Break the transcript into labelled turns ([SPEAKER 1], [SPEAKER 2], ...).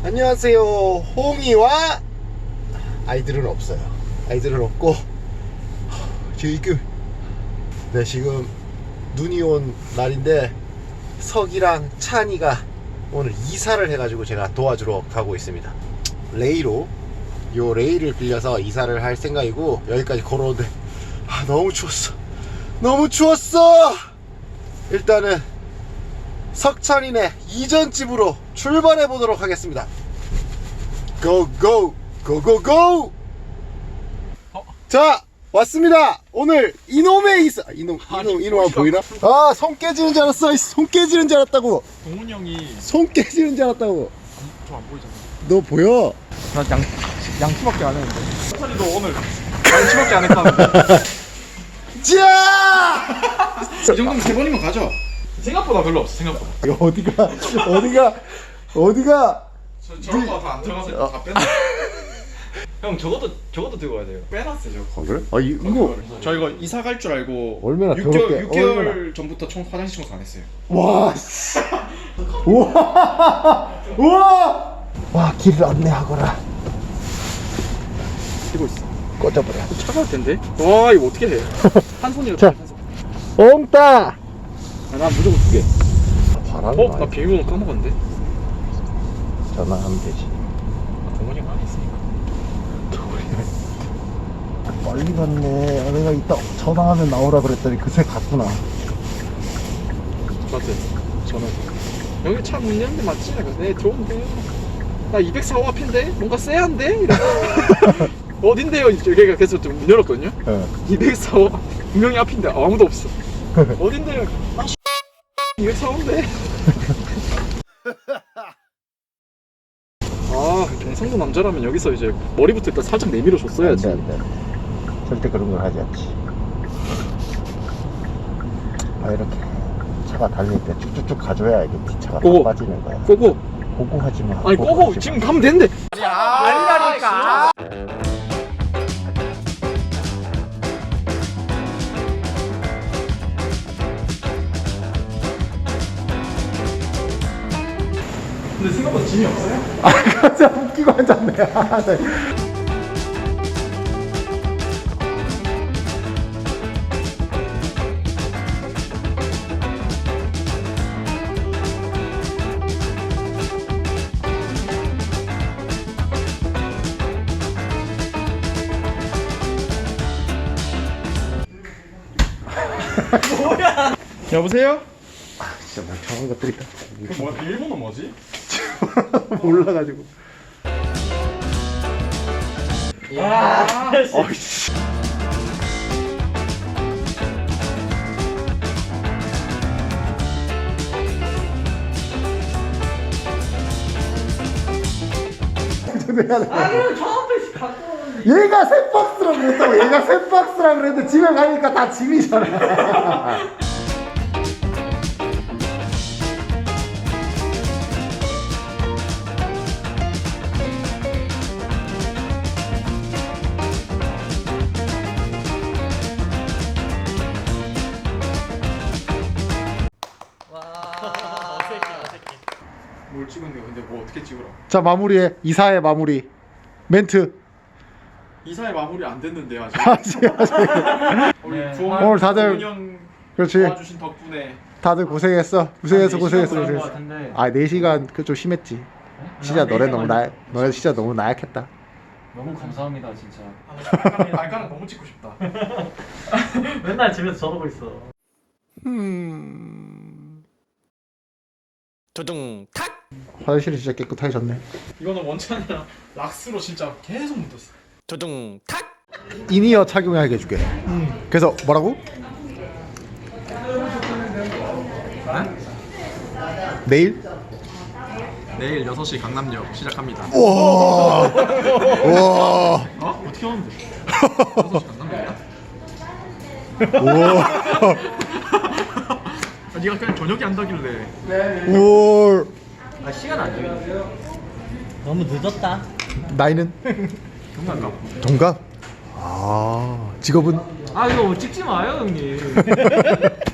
[SPEAKER 1] 안녕하세요. 홍이와 아이들은 없어요. 아이들은 없고 지금 눈이 온 날인데 석이랑 찬이가 오늘 이사를 해가지고 제가 도와주러 가고 있습니다. 레이를 빌려서 이사를 할 생각이고 여기까지 걸어오는데 너무 추웠어. 너무 추웠어. 일단은 석찬이네 이전 집으로 출발해 보도록 하겠습니다. 고고 고고고. 자 왔습니다. 오늘 이놈의 이사. 이놈 보이나? 손 깨지는 줄 알았어. 손 깨지는 줄 알았다고.
[SPEAKER 2] 동훈이 형이
[SPEAKER 1] 손 깨지는 줄 알았다고.
[SPEAKER 2] 저 안 보이잖아.
[SPEAKER 1] 너 보여?
[SPEAKER 2] 난 양치밖에 안 했는데. 석찬이 너 오늘 양치밖에 안 했다는데.
[SPEAKER 1] 자!
[SPEAKER 2] 이 정도면 3번이면 가죠. 생각보다 별로 없어. 생각보다.
[SPEAKER 1] 어디가?
[SPEAKER 2] 저런 거 다 안 들어가서 다 뺐나? 형 저것도 들고 가야 돼요. 빼놨어요 저거.
[SPEAKER 1] 그래? 이거
[SPEAKER 2] 저 이거 이사 갈 줄 알고
[SPEAKER 1] 얼마나
[SPEAKER 2] 6개월 전부터 화장실 청소 안 했어요.
[SPEAKER 1] 와, 씨. 우와! 와, 길을 안내하거라.
[SPEAKER 2] 끼고 있어.
[SPEAKER 1] 꺼져버려.
[SPEAKER 2] 차가울 텐데. 와 이거 어떻게 해? 한 손이라.
[SPEAKER 1] 자. 옹따!
[SPEAKER 2] 난 무조건 2개.
[SPEAKER 1] 바람.
[SPEAKER 2] 나 비밀번호 까먹었는데.
[SPEAKER 1] 전화하면 되지.
[SPEAKER 2] 동훈이가 안 했으니까.
[SPEAKER 1] 빨리 갔네. 내가 이따 전화하면 나오라 그랬더니 그새 갔구나.
[SPEAKER 2] 맞아요. 저는 여기 차 문 열는데 맞지? 네 들어온대. 나 204호 앞인데 뭔가 쎄한데? 이러고 어딘데요? 여기가 계속 문 열었거든요. 204호 분명히 앞인데 아무도 없어. 어딘데요? 204호인데. 경상도 남자라면 여기서 이제 머리부터 일단 살짝 내밀어 줬어야지.
[SPEAKER 1] 안 돼. 절대 그런 걸 하지 않지. 이렇게 차가 달릴 때 쭉쭉쭉 가줘야 이게 뒷차가
[SPEAKER 2] 고고.
[SPEAKER 1] 빠지는 거야.
[SPEAKER 2] 고고.
[SPEAKER 1] 고고 하지 마.
[SPEAKER 2] 아니 고고
[SPEAKER 1] 하지
[SPEAKER 2] 지금
[SPEAKER 1] 마.
[SPEAKER 2] 가면 되는데.
[SPEAKER 3] 아니라니까.
[SPEAKER 2] 근데 생각보다 짐이 없어요?
[SPEAKER 1] 진짜 웃기고 앉았네. 네.
[SPEAKER 2] 뭐야? 여보세요?
[SPEAKER 1] 진짜 멍청한 것들이다.
[SPEAKER 2] 그 뭐야? 비밀번호 뭐지?
[SPEAKER 1] 몰라가지고. 어이씨.
[SPEAKER 3] 아니 저 앞에 갖고 오는데.
[SPEAKER 1] 얘가 새 박스라 그랬다고. 얘가 새 박스라 그랬는데 집에 가니까 다 짐이잖아.
[SPEAKER 2] 뭘 찍었는데 근데 뭐 어떻게 찍으라?
[SPEAKER 1] 자, 마무리해. 이사의 마무리. 멘트.
[SPEAKER 2] 이사의 마무리 안 됐는데 아직.
[SPEAKER 1] 아직.
[SPEAKER 2] 우리
[SPEAKER 3] 네.
[SPEAKER 1] 오늘 다들-
[SPEAKER 2] 동훈이 형
[SPEAKER 1] 그렇지.
[SPEAKER 2] 도와주신 덕분에
[SPEAKER 1] 다들 고생했어. 고생했어. 4시간 그 좀 심했지. 진짜 너네 진짜 너무 나약했다.
[SPEAKER 3] 너무 감사합니다 진짜.
[SPEAKER 2] 발가락 너무 찍고 싶다.
[SPEAKER 3] 맨날 집에서 저러고 있어.
[SPEAKER 1] 화장실이 진짜 깨끗해졌네.
[SPEAKER 2] 이거는 원찬이랑 락스로 진짜 계속 묻었어.
[SPEAKER 1] 이니어 착용하게 해줄게. 그래서 뭐라고? 내일?
[SPEAKER 2] 내일 6시 강남역 시작합니다.
[SPEAKER 1] 우와. 우와.
[SPEAKER 2] 어떻게 하는데? 6시 강남역이야?
[SPEAKER 1] 우와.
[SPEAKER 2] 네가 그냥 저녁에 한다길래.
[SPEAKER 1] 우와.
[SPEAKER 3] 아 시간 안 정해. 너무 늦었다.
[SPEAKER 1] 나이는?
[SPEAKER 2] 동남가.
[SPEAKER 1] 동갑? 직업은?
[SPEAKER 3] 아 이거 찍지 마요 형님.